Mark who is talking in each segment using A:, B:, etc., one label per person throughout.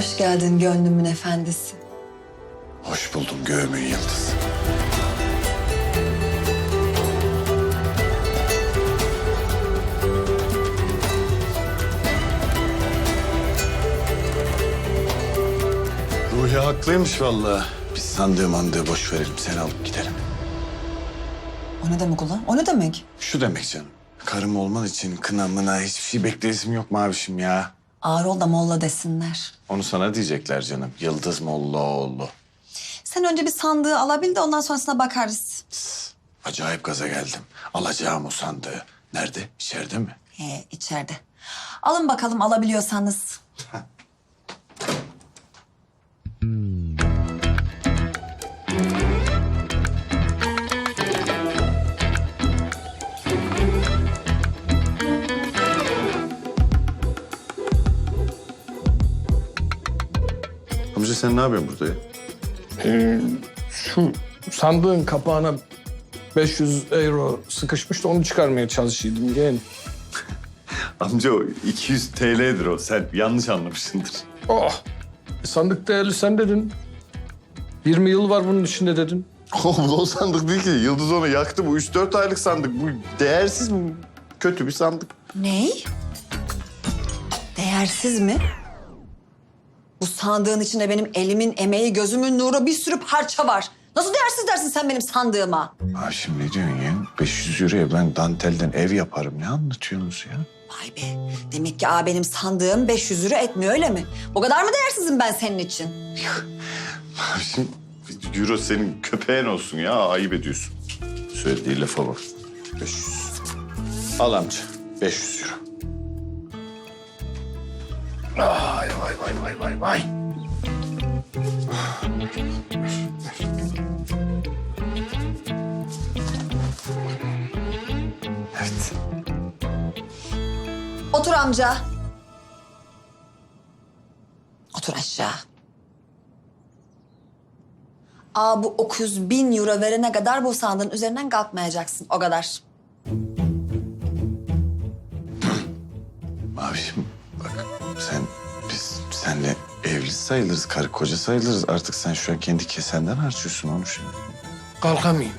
A: Hoş geldin gönlümün efendisi.
B: Hoş buldum göğümün yıldızı. Ruhi haklıymış vallahi. Biz sandığı mandığı boş verelim. Sen alıp gidelim.
A: O ne demek ulan? O ne demek?
B: Şu demek canım. Karım olman için kına mına hiçbir şey bekleyesim yok mavişim ya.
A: Ağır ol da molla desinler.
B: Onu sana diyecekler canım. Yıldız Mollaoğlu.
A: Sen önce bir sandığı alabil de ondan sonrasına bakarız.
B: Acayip gaza geldim. Alacağım o sandığı. Nerede? İçeride mi?
A: İçeride. Alın bakalım alabiliyorsanız.
B: Amca sen ne yapıyorsun burada ya?
C: Şu sandığın kapağına 500 euro sıkışmış da onu çıkarmaya çalışıyordum yeğen.
B: Amca o 200 TL'dir o. Sen yanlış anlamışsındır.
C: Oh! Sandık değerli sen dedin. 20 yıl var bunun içinde dedin.
B: Oğlum o sandık değil ki. Yıldız onu yaktı. Bu 3-4 aylık sandık. Bu değersiz mi? Kötü bir sandık.
A: Ney? Değersiz mi? Bu sandığın içinde benim elimin emeği, gözümün nuru bir sürü parça var. Nasıl değersiz dersin sen benim sandığıma?
B: Ha şimdi ne diyorsun ya? 500 euroya ben dantelden ev yaparım. Ne anlatıyorsunuz ya?
A: Vay be. Demek ki benim sandığım 500 lira etmiyor öyle mi? O kadar mı değersizim ben senin için?
B: Şimdi euro senin köpeğin olsun ya. Ayıp ediyorsun. Söylediği lafa bak. 500. Al amca. 500 euro. Vay vay vay vay vay vay. Evet.
A: Otur amca. Otur aşağı. Bu 900.000 euro verene kadar bu sandığın üzerinden kalkmayacaksın. O kadar.
B: Mavişim bak biz seninle evli sayılırız, karı koca sayılırız. Artık sen şu an kendi kesenden harcıyorsun onu şimdi.
C: Kalkamayayım.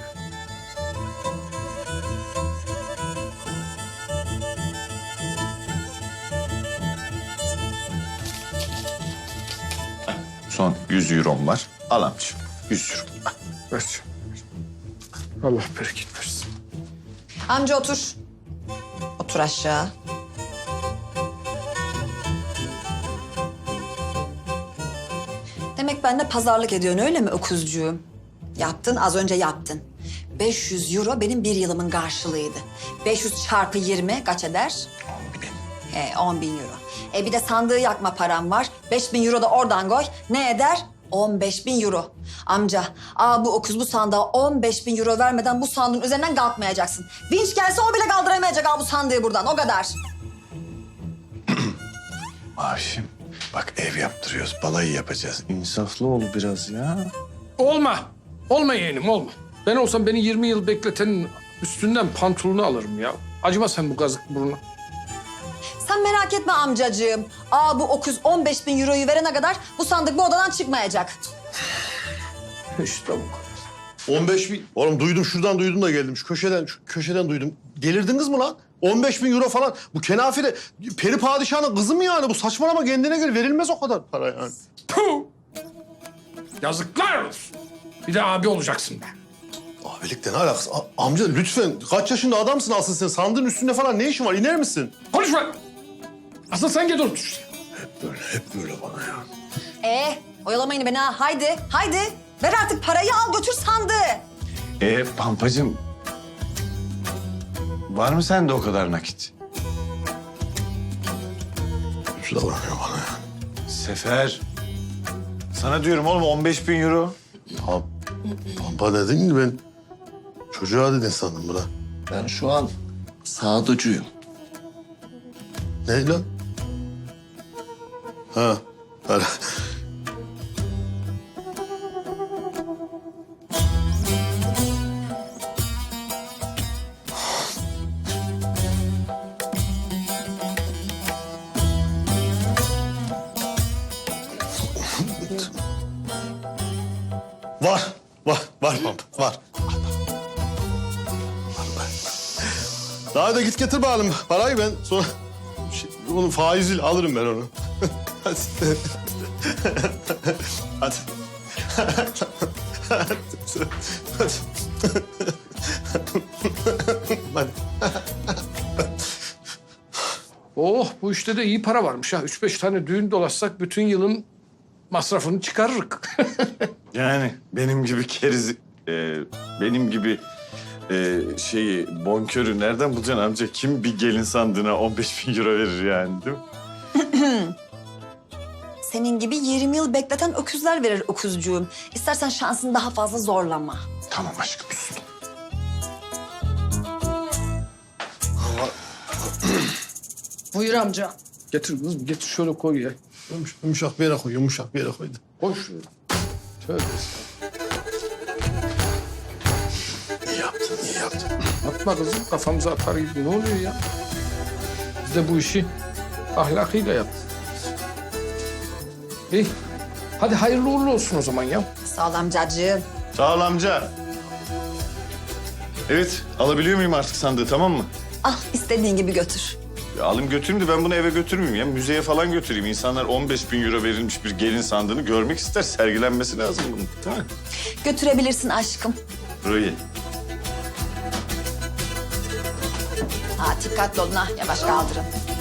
B: Son 100 eurom var. Al amcığım. 100 euro.
C: Ver. Allah bereket versin.
A: Amca otur. Otur aşağı. Demek benimle pazarlık ediyorsun öyle mi öküzcüğüm? Yaptın, az önce yaptın. 500 euro benim bir yılımın karşılığıydı. 500 çarpı 20 kaç eder? 10.000 euro. Bir de sandığı yakma param var. 5.000 euro da oradan koy. Ne eder? 15.000 euro. Amca, bu öküz bu sandığa 15.000 euro vermeden bu sandığın üzerinden kalkmayacaksın. Vinç gelse o bile kaldıramayacak bu sandığı buradan. O kadar.
B: Mavişim bak ev yaptırıyoruz. Balayı yapacağız. İnsaflı ol biraz ya.
C: Olma. Olma yeğenim olma. Ben olsam beni 20 yıl bekletenin üstünden pantolonu alırım ya. Acıma sen bu kazık buruna.
A: Sen merak etme amcacığım. Bu öküz 15.000 euroyu verene kadar bu sandık bu odadan çıkmayacak.
C: İşte bu kadar.
D: 15.000. Oğlum duydum şuradan duydum da geldim. Şu köşeden duydum. Delirdiniz mi lan? 15.000 euro falan. Bu kenafire peri padişahının kızı mı yani? Bu saçmalama kendine göre verilmez o kadar para yani.
C: Puh! Yazıklar olsun. Bir de abi olacaksın be.
D: Abilikle ne alakası? Amca lütfen kaç yaşında adamsın asıl sen? Sandığın üstünde falan ne işin var? İner misin?
C: Konuşma. Asıl sen gel otur işte.
D: Hep böyle bana ya.
A: Oyalamayın beni ha. Haydi, haydi. Ver artık parayı al götür sandığı.
B: Pampacığım. Var mı sende o kadar nakit?
D: Şu davranıyor bana ya.
B: Sefer. Sana diyorum oğlum 15.000 euro.
D: Pampa dedin ki ben çocuğa dedin sandım buna.
E: Ben şu an sağducuyum.
D: Ne lan? Ha. Para. Var Pampa, var. Daha da git getir bakalım parayı ben sonra... onun faiziyle alırım ben onu. Hadi. Hadi. Hadi.
C: Oh bu işte de iyi para varmış ha. 3-5 tane düğün dolaşsak bütün yılın masrafını çıkarırık.
B: Yani benim gibi keriz, benim gibi şeyi bonkörü nereden bulacaksın amca? Kim bir gelin sandığına 15 bin euro verir yani değil mi?
A: Senin gibi 20 yıl bekleten öküzler verir öküzcüğüm. İstersen şansını daha fazla zorlama.
B: Tamam aşkım sus.
F: Buyur amca.
C: Getir kızım getir şöyle koy ya.
D: Yumuşak bir yere koy, yumuşak bir yere koy.
C: Koy şöyle. Tövbe estağfurullah.
B: İyi yaptın, iyi yaptın.
C: Atma kızım kafamıza atar gibi ne oluyor ya? Biz de bu işi ahlakıyla yaptık. İyi. Hadi hayırlı uğurlu olsun o zaman ya.
A: Sağ ol amcacığım.
B: Sağ ol amca. Evet, alabiliyor muyum artık sandığı tamam mı?
A: Al istediğin gibi götür.
B: Ya alayım götüreyim de ben bunu eve götürmeyeyim ya. Müzeye falan götüreyim. İnsanlar 15 bin euro verilmiş bir gelin sandığını görmek ister. Sergilenmesi lazım bunun. Değil mi?
A: Götürebilirsin aşkım.
B: Burayı.
A: Ha dikkatli olun ha yavaş kaldırın.